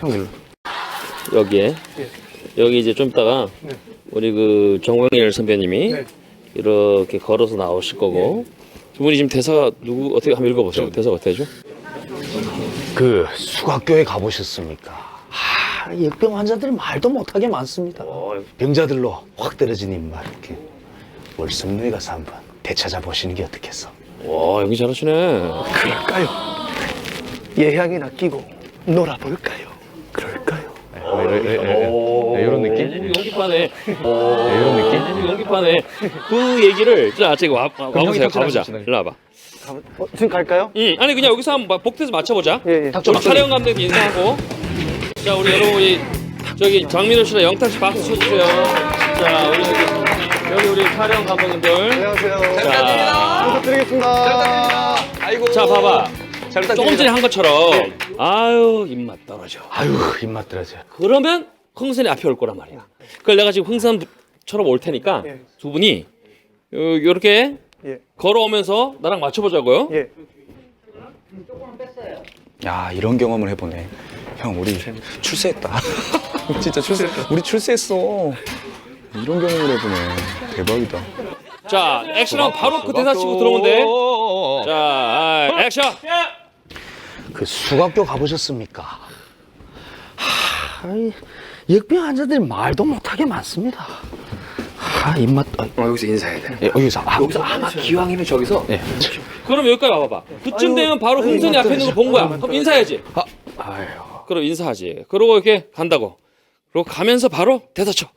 형일로. 여기에 여기 이제 좀 있다가 우리 그 정광일 선배님이 이렇게 걸어서 나오실 거고 두 분이 지금 대사가 누구 어떻게 한번 읽어보세요. 대사가 어떻게 되죠? 그 수각교에 가보셨습니까? 역병 환자들 말도 못하게 많습니다. 병자들로 확 떨어진 입맛. 이렇게 월성루에 가서 한번 되찾아 보시는 게 어떻겠어? 와 연기 잘하시네. 그럴까요? 예향이나 끼고 놀아볼까요? 그럴까요? 이런 느낌? 연기파네. 이런 느낌? 연기파네. 그 얘기를 자 지금 와보세요. 가보자. 일로 와봐. 지금 갈까요? 아니 그냥 여기서 한번 복대에서 맞춰보자. 예. 우리 촬영 감독 인사하고. 자 우리 여러분 우리 저기 장민호 씨랑 영탁 씨 박수 쳐주세요. 자 우리 여기 우리 촬영 감독님들. 안녕하세요. 자, 부탁드리겠습니다. 아이고. 자 봐봐. 잘 조금 전에 한 것처럼 아유 입맛 떨어져. 아유 입맛 떨어져. 그러면 흥선이 앞에 올 거란 말이야. 그걸 내가 지금 흥선처럼 올 테니까 예. 두 분이 이렇게 예. 걸어오면서 나랑 맞춰보자고요. 예. 야 이런 경험을 해보네. 형 우리 출세했다. 진짜 출세했다. 우리 출세했어. 이런 경험을 해보네. 대박이다. 자 액션하면 바로 그 대사 치고 들어오면 돼. 자 액션. 그 수각교 가보셨습니까? 역병 환자들이 말도 못하게 많습니다. 입맛. 여기서 인사해야 돼. 예, 여기서 아마 기왕이면 저기서 그럼 여기까지 와봐봐. 그쯤 되면 바로 흥선이 앞에 있는 거 본 거야. 그럼 인사해야지. 아유. 그럼 인사하지. 그러고 이렇게 간다고. 그리고 가면서 바로 대사 쳐.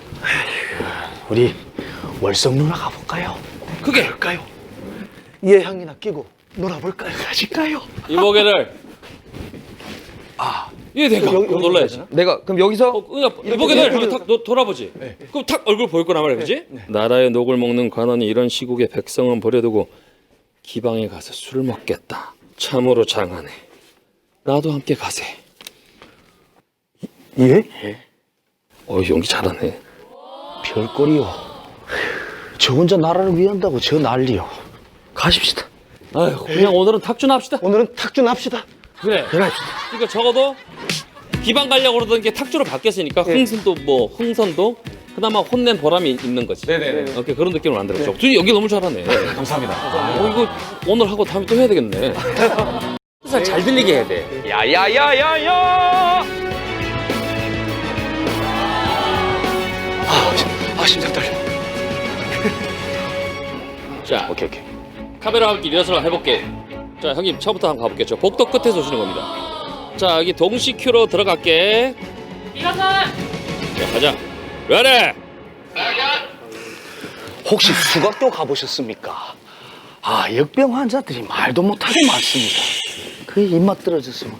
우리 월성루나 가볼까요? 크게. 갈까요? 예향이나 끼고 놀아볼까요? 가실까요? 이보게를. 얘 내가 그럼 놀라야지. 내가 그럼 여기서 이보게를 하면 탁 돌아보지. 그럼 탁 얼굴 보일 거란 말이야, 그지? 나라의 녹을 먹는 관원이 이런 시국에 백성은 버려두고 기방에 가서 술을 먹겠다. 참으로 장하네. 나도 함께 가세. 예? 연기 잘하네. 별거리요. 저 혼자 나라를 위한다고 저 난리요. 가십시다. 아유, 그냥 오늘은 탁주나 합시다. 오늘은 탁준 합시다. 그래. 그러니까 적어도 기방 가려고 그러던 게 탁주로 바뀌었으니까 흥선도 그나마 혼낸 보람이 있는 거지. 네네네. 오케이, 그런 느낌을 만들었죠. 둘이 연기 너무 잘하네. 감사합니다. 이거 오늘 하고 다음에 또 해야 되겠네. 항상 잘 들리게 해야 돼. 야야야야야. 심장 떨려. 자, 오케이. 카메라 함께 리허설 해볼게. 자, 형님 처음부터 한번 가볼게요. 저 복도 끝에서 오시는 겁니다. 자, 여기 동시 큐로 들어갈게. 리허설. 자, 가자. 레디. 혹시 수각교 가보셨습니까? 역병 환자들이 말도 못하게 많습니다. 그 입맛 떨어졌으면.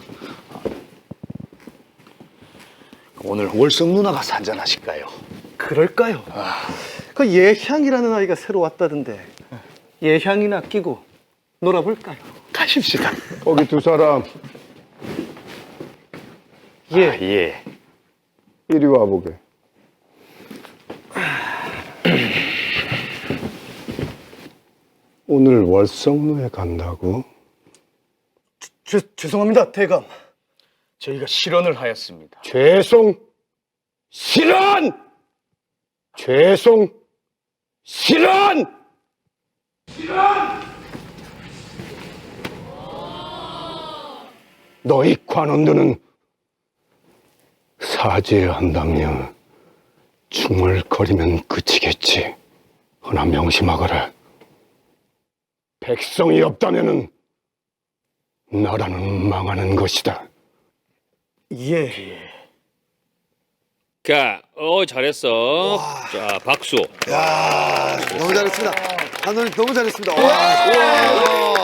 오늘 월성 누나가 한잔 하실까요? 그럴까요? 그 예향이라는 아이가 새로 왔다던데 예향이나 끼고 놀아볼까요? 가십시다. 거기 두 사람 예. 이리 와보게. 오늘 월성루에 간다고? 죄송합니다, 대감. 저희가 실언을 하였습니다. 죄송 실언! 죄송 실언! 너희 관원들은 사죄해야 한다며 중얼거리면 그치겠지. 허나 명심하거라. 백성이 없다면은 나라는 망하는 것이다. 예. 자, 잘했어. 자, 박수. 너무 잘했습니다. 감독님 너무 잘했습니다. 와.